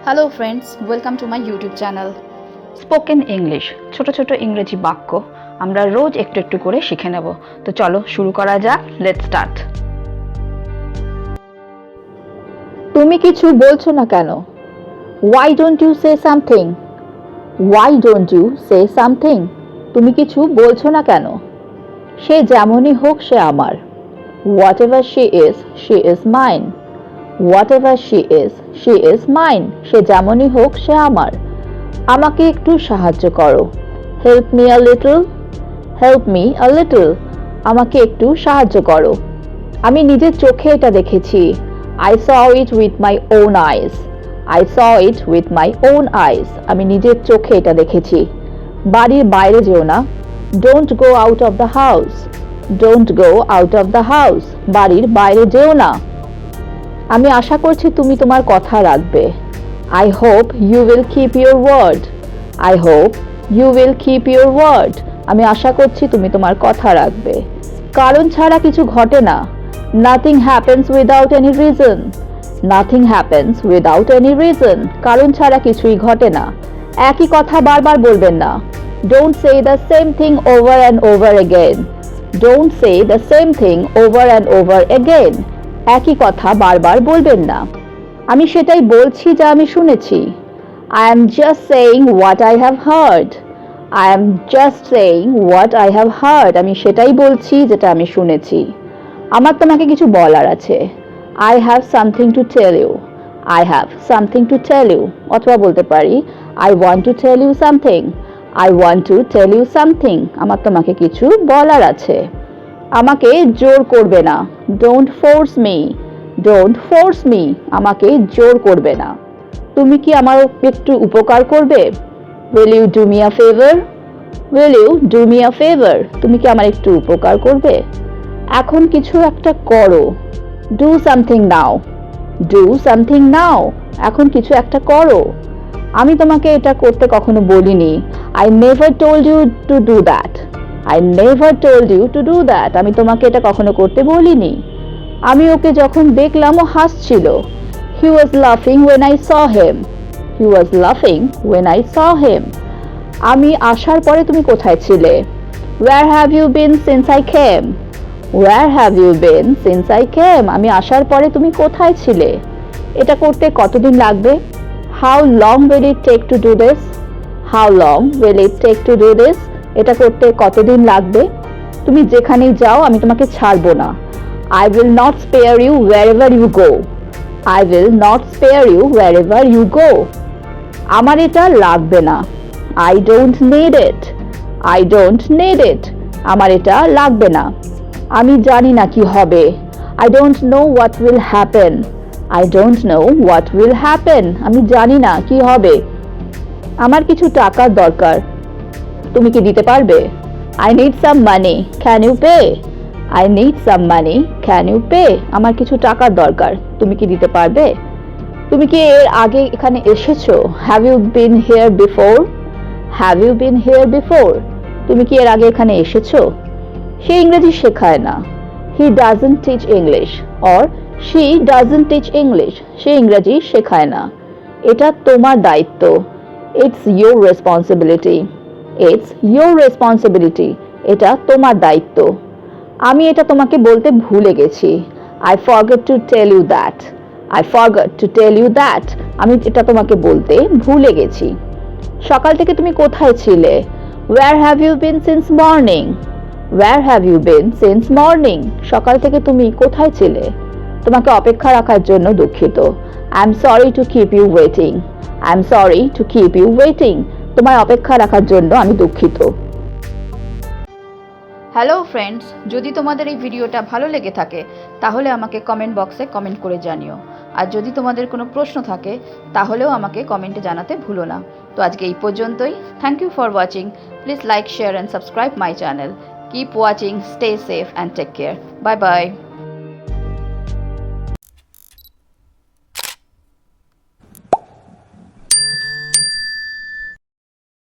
Hello friends, welcome to my YouTube channel spoken English. ছোট ছোট ইংরেজি বাক্য আমরা রোজ একটু একটু করে শিখে নেব। তো চলো শুরু করা যাক। Let's start. তুমি কিছু বলছো না কেন? Why don't you say something? Why don't you say something? তুমি কিছু বলছো না কেন? সে যেমনই হোক সে আমার। Whatever she is mine. Whatever she is mine. সে যেমনই হোক সে আমার। আমাকে একটু সাহায্য করো। Help me a little. Help me a little. আমাকে একটু সাহায্য করো। আমি নিজের চোখে এটা দেখেছি। I saw it with my own eyes. I saw it with my own eyes. আমি নিজের চোখে এটা দেখেছি। বাড়ির বাইরে যেও না। Don't go out of the house. Don't go out of the house. বাড়ির বাইরে যেও না। আমি আশা করছি তুমি তোমার কথা রাখবে। I hope you will keep your word. I hope you will keep your word. আমি আশা করছি তুমি তোমার কথা রাখবে। কারণ ছাড়া কিছু ঘটে না। Nothing happens without any reason. Nothing happens without any reason. কারণ ছাড়া কিছুই ঘটে না। একই কথা বারবার বলবেন না। Don't say the same thing over and over again. Don't say the same thing over and over again. একই কথা বারবার বলবেন না। আমি সেটাই বলছি যা আমি শুনেছি। I am just saying what I have heard. I am just saying what I have heard. আমি সেটাই বলছি যেটা আমি শুনেছি। আমার তোমাকে কিছু বলার আছে। I have something to tell you. I have something to tell you. অথবা বলতে পারি I want to tell you something. I want to tell you something. আমার তোমাকে কিছু বলার আছে। আমাকে জোর করবে না। Don't force me. Don't force me. আমাকে জোর করবে না। তুমি কি আমার একটু উপকার করবে? Will you do me a favor? Will you do me a favor? তুমি কি আমার একটু উপকার করবে? এখন কিছু একটা করো। Do something now. Do something now. এখন কিছু একটা করো। আমি তোমাকে এটা করতে কখনো বলিনি। I never told you to do that. I never told you to do that. আমি তোমাকে এটা কখনো করতে বলিনি। আমি ওকে যখন দেখলাম ও হাসছিল। He was laughing when I saw him. He was laughing when I saw him. আমি আসার পরে তুমি কোথায় ছিলে? Where have you been since I came? Where have you been since I came? আমি আসার পরে তুমি কোথায় ছিলে? এটা করতে কতদিন লাগবে? How long will it take to do this? How long will it take to do this? এটা করতে কতদিন লাগবে? তুমি যেখানেই যাও আমি তোমাকে ছাড়বো না। I will not spare you wherever you go. I will not spare you wherever you go. আমার এটা লাগবে না। I don't need it. I don't need it. আমার এটা লাগবে না। আমি জানি না কি হবে। I don't know what will happen. I don't know what will happen. আমি জানি না কি হবে। আমার কিছু টাকার দরকার। তুমি কি দিতে পারবে? I need some money. Can you pay? I need some money. Can you pay? আমার কিছু টাকার দরকার। তুমি কি দিতে পারবে? তুমি কি এর আগে এখানে এসেছো? Have you been here before? Have you been here before? তুমি কি এর আগে এখানে এসেছো? সে ইংরেজি শেখায় না। He doesn't teach English or she doesn't teach English. সে ইংরেজি শেখায় না। এটা তোমার দায়িত্ব। It's your responsibility. It's your responsibility. এটা তোমার দায়িত্ব। আমি এটা তোমাকে বলতে ভুলে গেছি। I forgot to tell you that. I forgot to tell you that. আমি এটা তোমাকে বলতে ভুলে গেছি। সকাল থেকে তুমি কোথায় ছিলে? Where have you been since morning? Where have you been since morning? সকাল থেকে তুমি কোথায় ছিলে? তোমাকে অপেক্ষা রাখার জন্য দুঃখিত। I'm sorry to keep you waiting. I'm sorry to keep you waiting. তোমায় অপেক্ষা রাখার জন্য আমি দুঃখিত। হ্যালো ফ্রেন্ডস, যদি তোমাদের এই ভিডিওটা ভালো লেগে থাকে তাহলে আমাকে কমেন্ট বক্সে কমেন্ট করে জানিও। আর যদি তোমাদের কোনো প্রশ্ন থাকে তাহলেও আমাকে কমেন্টে জানাতে ভুলো না। তো আজকে এই পর্যন্তই। Thank you for watching. Please like, share and subscribe my channel. Keep watching, stay safe and take care. Bye by.